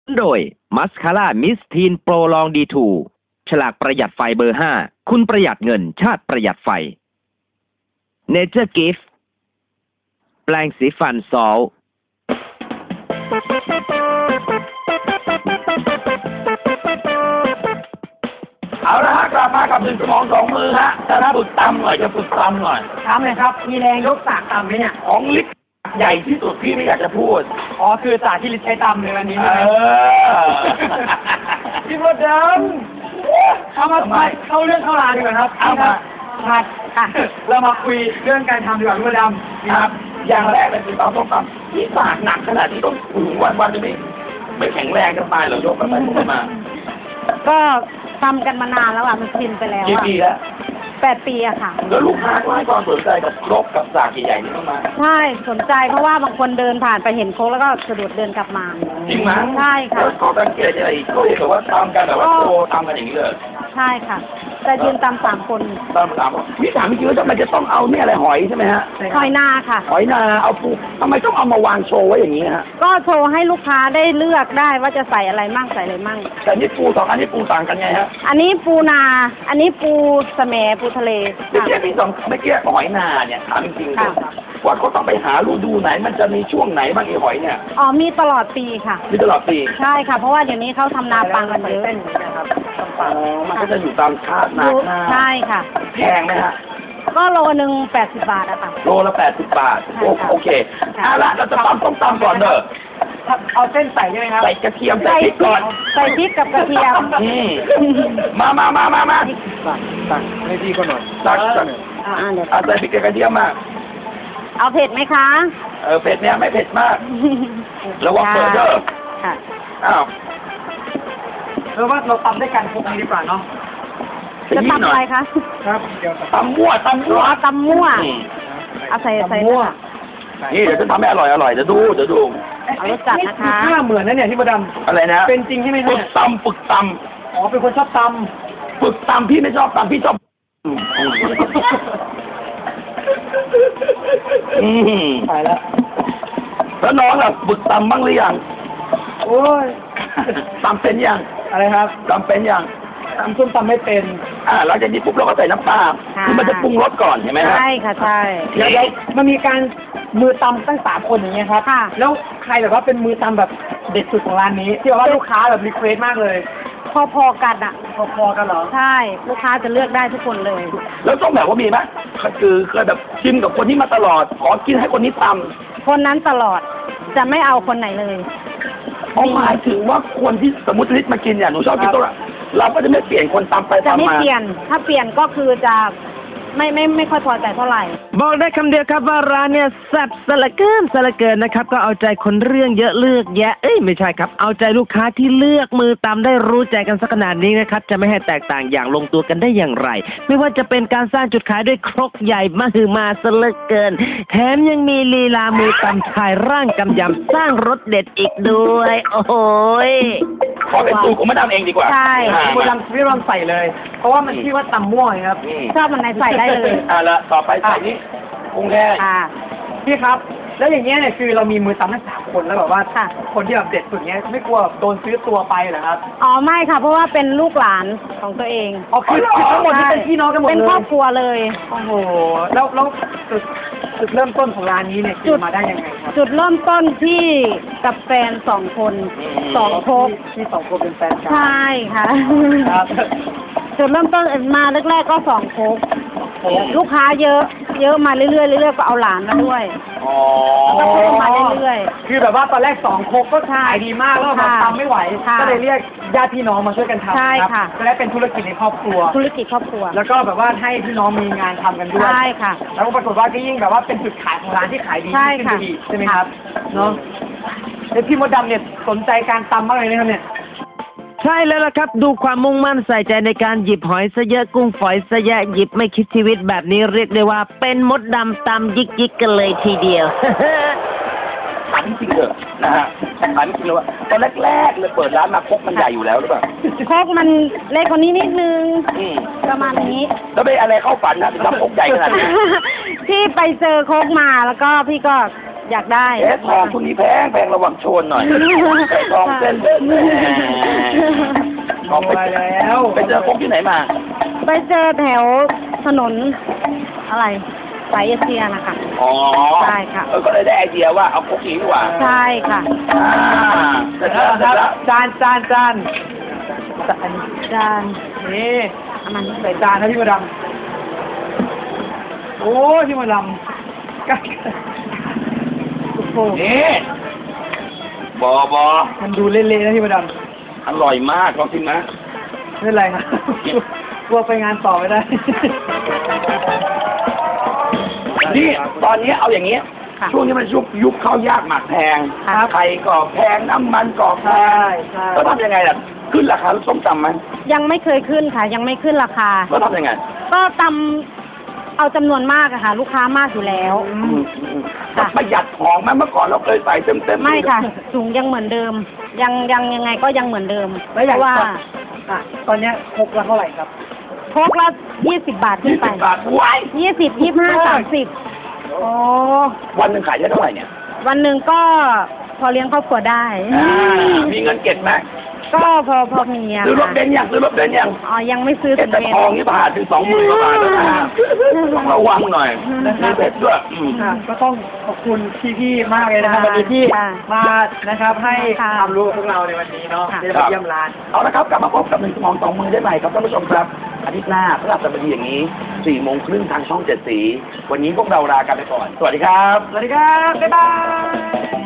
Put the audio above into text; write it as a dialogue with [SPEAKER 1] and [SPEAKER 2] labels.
[SPEAKER 1] โดยมัสคาร่ามิสทีนโปรลองดีทูฉลากประหยัดไฟเบอร์ 5คุณประหยัดเงินชาติประหยัดไฟเนเจอร์กิฟต์แปรงสีฟันซอล
[SPEAKER 2] เอาละฮะกลับมากับ1 สมอง 2 มือฮะจะฝึกตำหน่อยจะฝึกตำหน่อย
[SPEAKER 3] ถามเลยครับมีแรงยกสากตำไหมเนี่ย
[SPEAKER 2] ของลิฟต์ใหญ่ที่สุดพี่ไม่อยากจะพูด
[SPEAKER 3] อ๋อคือสากที่ลิศใช้ตำในวันนี้
[SPEAKER 2] เอ
[SPEAKER 3] ใช่ไหม
[SPEAKER 2] อ
[SPEAKER 3] พี่มดดำเข้ามาเข้าเรื่องเข้าราวดีกว่าครับ
[SPEAKER 2] เอามา
[SPEAKER 3] ครับค่ะเรามาคุยเรื่องการทำดีกว่าพี่มดดำ
[SPEAKER 2] ครับ อย่างแรกเลยคือตำต้องตำที่สากหนักขนาดที่ต้องถึงวันจะไม่แข็งแรงกันตายเหรอยกกันไปยกกันมา
[SPEAKER 4] ก็ทำกันมานานแล้วอ่ะมันชินไปแล้ว
[SPEAKER 2] กี่
[SPEAKER 4] อ่ะ
[SPEAKER 2] ปีแล้ว
[SPEAKER 4] 8 ปีอะค่ะ
[SPEAKER 2] แล้วลูกค้าก็ให้ความสนใจกับครกกับสากใหญ่ๆนี่มาก
[SPEAKER 4] ใช่สนใจเพราะว่าบางคนเดินผ่านไปเห็นโค้กแล้วก็สะดุดเดินกลับมา
[SPEAKER 2] จริงไหม
[SPEAKER 4] ใช่ค่ะ
[SPEAKER 2] แล้วขอสังเกตอะไรอีกก็เห็นแบบว่าทำกันแบบว่าโชว์ทำกันอย่างนี้เลย
[SPEAKER 4] ใช่ค่ะแต่ยืนตาม3 คน
[SPEAKER 2] ตามพี่ถามจริงๆว่าทำไมจะต้องเอาเนี่ยอะไรหอยใช่ไหมฮะ
[SPEAKER 4] หอยนาค่ะ
[SPEAKER 2] หอยนาเอาปูทำไมต้องเอามาวางโชว์ไว้อย่างนี้ฮะ
[SPEAKER 4] ก็โชว์ให้ลูกค้าได้เลือกได้ว่าจะใส่อะไรมั่งใส่อะไรมั่ง
[SPEAKER 2] แต่นี่ปู2 อันนี้ปูต่างกันไงฮะ
[SPEAKER 4] อันนี้ปูนา อันนี้ปูแสมปูทะเล
[SPEAKER 2] เมื่อ
[SPEAKER 4] ค่ะ
[SPEAKER 2] กี้พี่เมื่อกี้หอยนาเนี่ยถามจริงๆ
[SPEAKER 4] ค่ะ
[SPEAKER 2] ว่าเขาต้องไปหาฤดูไหนมันจะมีช่วงไหนบ้างไอ้หอยเนี่ย
[SPEAKER 4] อ๋อมีตลอดปีค่ะ
[SPEAKER 2] มีตลอดปี
[SPEAKER 4] ใช่ค่ะ เพราะว่าเดี๋ยวนี้เขาทำนาปังกันเยอะ
[SPEAKER 3] นะครับ
[SPEAKER 2] อ๋อมันก็จะอยู่ตามคาดนาหน้า
[SPEAKER 4] ใช่ค่ะ
[SPEAKER 2] แพงไหมฮะ
[SPEAKER 4] ก็โลนึง80 บาทอะค่ะ
[SPEAKER 2] โลละ80 บาท
[SPEAKER 4] ใช่ค่ะ
[SPEAKER 2] โอเคเอาละเราจะต้องตำก่อนเด้อ
[SPEAKER 3] เอาเส้นใส่ใช่ไหมครับ
[SPEAKER 2] ใส่กระเทียมใส่พริกก่อน
[SPEAKER 4] ใส่พริกกับกระเทียม
[SPEAKER 2] มา
[SPEAKER 3] ตักให้พี่ก็หน่อย
[SPEAKER 2] ตัก
[SPEAKER 4] เดี๋ยว
[SPEAKER 2] ใส่พริกกับกระเทียมมา
[SPEAKER 4] เอาเผ็ดไหมคะ
[SPEAKER 2] เผ็ดเนี่ยไม่เผ็ดมากระวังเปิดเด้อ
[SPEAKER 4] ค่ะ
[SPEAKER 2] อ้าว
[SPEAKER 3] ว่าเราตำด้วยกันพวกนี้ดีกว่าเนาะ
[SPEAKER 4] จะทำอะไรคะ
[SPEAKER 3] ครับเดี๋ยว
[SPEAKER 2] ตำมั่ว
[SPEAKER 4] เอาตำมั่ว เอาใส่
[SPEAKER 3] มั่ว
[SPEAKER 2] นี่เดี๋ยวจะทำให้อร่อยเดี๋ยวดู
[SPEAKER 4] เอารสจัดนะคะ
[SPEAKER 3] หน้าเหมือนนะเนี่ยที่มดด
[SPEAKER 2] อะไรนะ
[SPEAKER 3] ำเป็นจริงใช่ไหม
[SPEAKER 2] ฝึ
[SPEAKER 3] เนี่
[SPEAKER 2] ก
[SPEAKER 3] ย
[SPEAKER 2] ตำฝึกต
[SPEAKER 3] อ๋อเป็นคนชอบต
[SPEAKER 2] ำฝึกตำพี่ไม่ชอบตำพี่ชอบ
[SPEAKER 3] ำไปแล้ว
[SPEAKER 2] แล้วน้องล่ะฝึกตำบ้างหรือยัง
[SPEAKER 3] โอ้ย
[SPEAKER 2] ตำเป็นยัง
[SPEAKER 3] อะไรครับ
[SPEAKER 2] ตำเป็นยัง
[SPEAKER 3] ตำส้มตำไม่เป็น
[SPEAKER 2] หลังจากนี้ปุ๊บเราก็ใส่น้ำปลา
[SPEAKER 4] ค่ะ
[SPEAKER 2] คือมันจะปรุงรสก่อนเห็นไหมฮะ
[SPEAKER 4] ใช่ค่ะใช่
[SPEAKER 3] เดี๋ยวมันมีการมือตำตั้ง3 คนอย่างเงี้ยครับ
[SPEAKER 4] ค่ะ
[SPEAKER 3] แล้วใครแบบว่าเป็นมือตำแบบเด็ดสุดของร้านนี้ ที่แบบว่าลูกค้าแบบรีเควสมากเลย
[SPEAKER 4] พอๆกันอ่ะ
[SPEAKER 3] พอๆกันเหรอ
[SPEAKER 4] ใช่ ลูกค้าจะเลือกได้ทุกคนเลย
[SPEAKER 2] แล้วต้องแบบว่ามีไหมคือเคยแบบชิมกับคนนี้มาตลอด ขอกินให้คนนี้ตำ
[SPEAKER 4] คนนั้นตลอด จะไม่เอาคนไหนเลย
[SPEAKER 2] หมายถึงว่าคนที่สมมติลิศมากินเนี่ยหนูชอบกินตัวละเราก็จะไม่เปลี่ยนคนตำไป
[SPEAKER 4] จะ
[SPEAKER 2] ตำ
[SPEAKER 4] ไม่
[SPEAKER 2] มา
[SPEAKER 4] เปลี่ยน ถ้าเปลี่ยนก็คือจะไม่ค่อยพอใจเท่าไหร่
[SPEAKER 1] บอกได้คำเดียวครับว่าร้านเนี่ยแซ่บสละเกินนะครับก็เอาใจคนเรื่องเยอะเลือกแยะไม่ใช่ครับเอาใจลูกค้าที่เลือกมือตามได้รู้ใจกันสักขนาดนี้นะครับจะไม่ให้แตกต่างอย่างลงตัวกันได้อย่างไร ไม่ว่าจะเป็นการสร้างจุดขายด้วยครกใหญ่มหึมาสละเกินแถมยังมีลีลามือตำชายร่างกำยำสร้างรสเด็ดอีกด้วย โอ้โหย
[SPEAKER 2] ขอเป็นสูตรของมาดามเองดีกว่า
[SPEAKER 4] ใช่
[SPEAKER 3] พี่มดดำพี่รอนใส่เลย เพราะว่ามันชื่อว่าตำม่วงไงครับ
[SPEAKER 4] ชอบมันไหนใส่ได้เลย
[SPEAKER 2] ละต่อไปใส่นี่กุ้งแห้ง
[SPEAKER 4] ค่ะ
[SPEAKER 3] พี่ครับ แล้วอย่างเงี้ยเนี่ยคือเรามีมือตำทั้ง3 คนแล้วแบบว่า
[SPEAKER 4] ค่ะ
[SPEAKER 3] คนที่แบบเด็ดสุดเงี้ยไม่กลัวโดนซื้อตัวไปเหรอครับ
[SPEAKER 4] อ๋อไม่ค่ะ เพราะว่าเป็นลูกหลานของตัวเอง
[SPEAKER 3] อ๋อคือทั้งหมดนี่เป็นพี่น้องกันหมดเลย
[SPEAKER 4] เป็นครอบครัวเลย
[SPEAKER 3] โอ้โหแล้วจุดเริ่มต้นของร้านนี้เนี่ยคือมาได้ยังไงครับ
[SPEAKER 4] จุดเริ่มต้นที่กับแฟน2 คน2 โคก
[SPEAKER 3] ที่2 คนเป็นแฟนกัน
[SPEAKER 4] ใช่ค่ะ
[SPEAKER 3] ครับ
[SPEAKER 4] จุดเริ่มต้นมาแรกๆก็2 โคกลูกค้าเยอะมาเรื่อยๆก็เอาหลานมาด้วย
[SPEAKER 2] อ๋อ
[SPEAKER 4] ก็เพิ่มมาเรื่อย
[SPEAKER 3] คือแบบว่าตอนแรก2 โคกก็ขายดีมากแล้วแบบ
[SPEAKER 4] ค่ะ
[SPEAKER 3] ทำไม่ไหว
[SPEAKER 4] ค่ะ
[SPEAKER 3] ก็เลยเรียกญาติพี่น้องมาช่วยกันทำ
[SPEAKER 4] ใช่
[SPEAKER 3] ครั
[SPEAKER 4] ค่ะ
[SPEAKER 3] จะได้เป็นธุรกิจในครอบครัว
[SPEAKER 4] ธุรกิจครอบครัว
[SPEAKER 3] แล้วก็แบบว่าให้พี่น้องมีงานทำกันด้วย
[SPEAKER 4] ใช่ค่ะ
[SPEAKER 3] แล้วก็ปรากฏว่าก็ยิ่งแบบว่าเป็นจุดขายของร้านที่ขายดี
[SPEAKER 4] ใช่
[SPEAKER 3] ขึ้น
[SPEAKER 4] ค่ะ
[SPEAKER 3] ไปอีกใช่ไหมครับเนาะแล้วพี่มดดำเนี่ยสนใจการตำมากเลยนะครับเนี่ย
[SPEAKER 1] ใช่แล้วล่ะครับดูความมุ่งมั่นใส่ใจในการหยิบหอยซะเยอะกุ้งฝอยซะแยะหยิบไม่คิดชีวิตแบบนี้เรียกได้ว่าเป็นมดดำตำยิกกันเลยทีเดียว
[SPEAKER 2] ถามจริงๆเถอะนะฮะถามจริงๆเลยว่าตอนแรกๆเลยเปิดร้านมาครกมันใหญ่อยู่แล้วหรือเปล่า
[SPEAKER 4] โคกมันเล็กกว่านี้นิดนึง ประมาณนี้
[SPEAKER 2] แล้วไปอะไรเข้าฝันนะถึงทำครกใหญ่ขนาดนี้
[SPEAKER 4] พี่ไปเจอโคกมาแล้วก็พี่ก็อยากได้
[SPEAKER 2] ทองคุณนี้แพงระวังโชนหน่อยทองเส้นทองไปแล้วไปเจอพวกที่ไหนมา
[SPEAKER 4] ไปเจอแถวถนนอะไรสายเอเชียนะคะ
[SPEAKER 2] อ๋อ
[SPEAKER 4] ใช่ค่ะ
[SPEAKER 2] ก็เลยได้ไอเดียว่าเอาพวกนี้ดีกว่า
[SPEAKER 4] ใช่ค่ะ
[SPEAKER 2] เสร็จแล้ว
[SPEAKER 3] จานจาน
[SPEAKER 4] จาน
[SPEAKER 3] นี่
[SPEAKER 4] เอามัน
[SPEAKER 3] ใส่จานนะพี่มดำโอ้พี่มดำกัด
[SPEAKER 4] โอ้โห
[SPEAKER 2] นี่บอ
[SPEAKER 3] มันดูเละๆนะพี่มด
[SPEAKER 2] อร่อยมากลองชิมนะ
[SPEAKER 3] ำไม่เป็นไรครับกลัวไปงานต่อไม่ได้
[SPEAKER 2] นี่ตอนนี้เอาอย่างนี้
[SPEAKER 4] ค่ะ
[SPEAKER 2] ช่วงนี้มันยุคข้าวยากหมากแพง
[SPEAKER 4] ครับ
[SPEAKER 2] ไข่ก็แพงน้ำมันก็แพง
[SPEAKER 3] ใช่
[SPEAKER 2] ก็ทำยังไงล่ะขึ้นราคาลูกส้มตำไหม
[SPEAKER 4] ยังไม่เคยขึ้นค่ะ ยังไม่ขึ้นราคา
[SPEAKER 2] ก็ทำยังไง
[SPEAKER 4] ก็ตำเอาจำนวนมากอะค่ะ ลูกค้ามากอยู่แล้ว ค่ะ
[SPEAKER 2] ประหยัดของไหมเมื่อก่อนเราเคยใส่เต็มๆ
[SPEAKER 4] ไม่ค่ะ ถุงยังเหมือนเดิม ยังไงก็ยังเหมือนเดิม
[SPEAKER 3] แล้วอย่าง
[SPEAKER 4] เพราะว่า
[SPEAKER 3] อ่ะตอนเนี้ยครกละเท่าไหร่ครับ
[SPEAKER 4] โคกละ20 บาทขึ้นไป
[SPEAKER 2] 20 บาทว้าย
[SPEAKER 4] 20 25 30
[SPEAKER 3] อ๋อ
[SPEAKER 2] วันหนึ่งขายได้เท่าไหร่เนี่ย
[SPEAKER 4] วันหนึ่งก็พอเลี้ยงครอบครัวได้
[SPEAKER 2] มีเงินเก็บไหม
[SPEAKER 4] ก็พอมีอะ
[SPEAKER 2] ซื้อรถ
[SPEAKER 4] ค่ะ
[SPEAKER 2] เบนซ์ยังซื้อรถเบนซ์ยัง
[SPEAKER 4] อ๋อยังไม่ซื้อ
[SPEAKER 2] เก็
[SPEAKER 4] ถึ
[SPEAKER 2] บ
[SPEAKER 4] ง
[SPEAKER 2] แต่
[SPEAKER 4] เบน
[SPEAKER 2] ทองนี่ผ่านถึง20,000 กว่าบาทแล้วนะต้องระวังหน่อยมีเพชรด้วย
[SPEAKER 3] ค่ะก็ต้องขอบคุณพี่ๆมากเลยนะครับวันนี้ที่
[SPEAKER 4] ค่ะ
[SPEAKER 3] มานะครับให้
[SPEAKER 4] ค่ะ
[SPEAKER 3] ความรู้กับพวกเราในวันนี้เนาะ
[SPEAKER 4] ค่ะ
[SPEAKER 3] ที่ได้มาเยี่ยมร้าน
[SPEAKER 2] เอาละครับกลับมาพบกับ1 สมอง 2 มือได้ใหม่ครับท่านผู้ชมครับอาทิตย์หน้าพฤหัสบดีอย่างนี้4 โมงครึ่งทางช่อง 7 สีวันนี้พวกเราลากันไปก่อนสวัสดีครับ
[SPEAKER 3] สวัสดีครับ บ๊ายบาย